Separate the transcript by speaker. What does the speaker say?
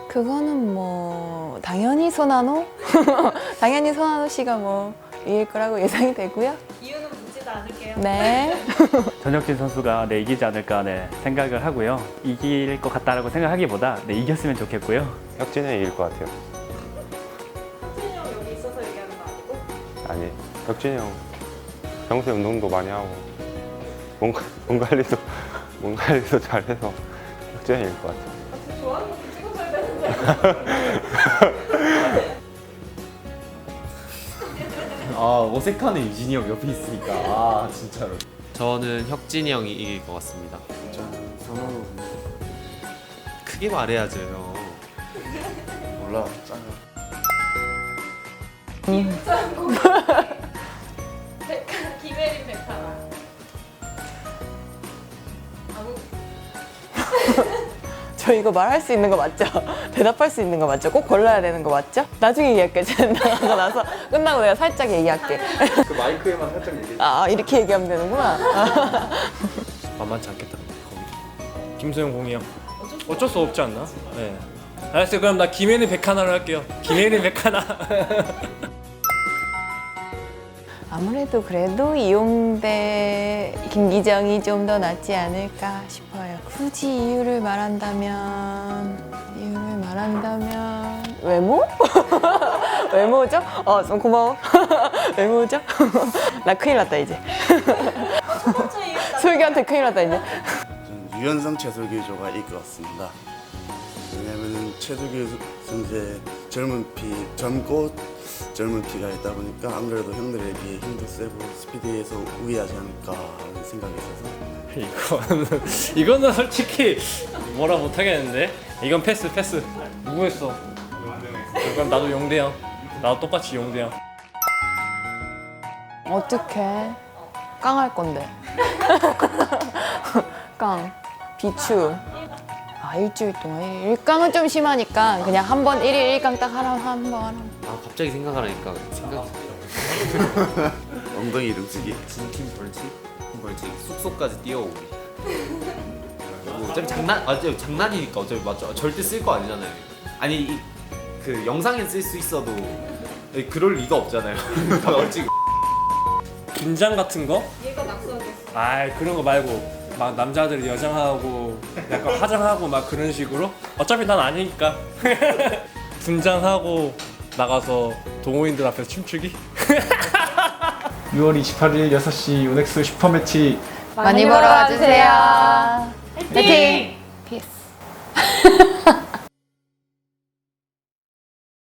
Speaker 1: 그거는 뭐 당연히 손한호? 당연히 손한호 씨가 뭐 이길 거라고 예상이 되고요.
Speaker 2: 이유는 묻지도 않을게요.
Speaker 1: 네.
Speaker 3: 전혁진 선수가 이기지 않을까 생각을 하고요. 이길 것 같다라고 생각하기보다 이겼으면 좋겠고요.
Speaker 4: 혁진이 형이 이길 것 같아요.
Speaker 2: 혁진이 형 여기 있어서 얘기하는 거 아니고?
Speaker 4: 아니, 혁진이 형 평소에 운동도 많이 하고 몸 관리도 잘해서 혁진이 형이 이길 것 같아요.
Speaker 2: 같이 좋아하는 거 찍어줘야 되는데.
Speaker 5: 아 어색하네 유진이 형 옆에 있으니까. 아 진짜로.
Speaker 6: 저는 혁진이 형이 이길 것 같습니다.
Speaker 7: 저는 선호로
Speaker 6: 크게 말해야죠. 형.
Speaker 7: 몰라 짱.
Speaker 2: 김혜린 백하나. 아무
Speaker 1: 저 이거 말할 수 있는 거 맞죠? 대답할 수 있는 거 맞죠? 꼭 골라야 되는 거 맞죠? 나중에 얘기할게. 제가 나가고 나서 끝나고 내가 살짝 얘기할게.
Speaker 7: 그 마이크에만 살짝 얘기해.
Speaker 1: 아 이렇게 얘기하면 되는구나.
Speaker 8: 만만치 않겠다 거기. 김소영 공이 형 어쩔 수 없지 않나? 네. 알았어요. 그럼 나 김혜린 백하나로 할게요. 김혜린 백하나.
Speaker 1: 아무래도 그래도 이용대 김기정이 좀 더 낫지 않을까 싶어요. 굳이 이유를 말한다면 외모? 외모죠? 좀 고마워. 외모죠? 나 큰일 났다 이제.
Speaker 2: 첫 번째 이유가
Speaker 1: 솔기한테 큰일 났다 이제.
Speaker 9: 저는 유연성 최석규조가 이길 것 같습니다. 왜냐면은 최석규 선수의 젊고 젊은 피가 있다 보니까 안 그래도 형들에 비해 힘도 세고 스피드에서 우위하지 않을까 하는 생각이 있어서
Speaker 8: 이거는 솔직히 뭐라 못하겠는데. 이건 패스. 누구 했어? 그럼 나도 용대형. 나도 똑같이 용대형.
Speaker 1: 어떡해. 깡할 건데. 깡. 비추. 일주일 동안 일깡은 좀 심하니까 그냥 한 번 1일 1깡 딱 한번 하라.
Speaker 6: 아 갑자기 생각하니까 생각이
Speaker 9: 엉덩이 이름 쓰기.
Speaker 6: 진팀 벌칙 숙소까지 뛰어오기. 어차피 장난이니까 어차피 맞죠. 절대 쓸 거 아니잖아요. 아니 그 영상에 쓸 수 있어도 그럴 리가 없잖아요. 벌칙.
Speaker 8: 긴장 같은 거?
Speaker 2: 얘가 낙서하겠어.
Speaker 8: 그런 거 말고 막 남자들이 여장하고 약간 화장하고 막 그런 식으로. 어차피 난 아니니까. 분장하고 나가서 동호인들 앞에서 춤추기.
Speaker 5: 6월 28일 6시 요넥스 슈퍼매치
Speaker 1: 많이 보러 와주세요. 화이팅! 피스.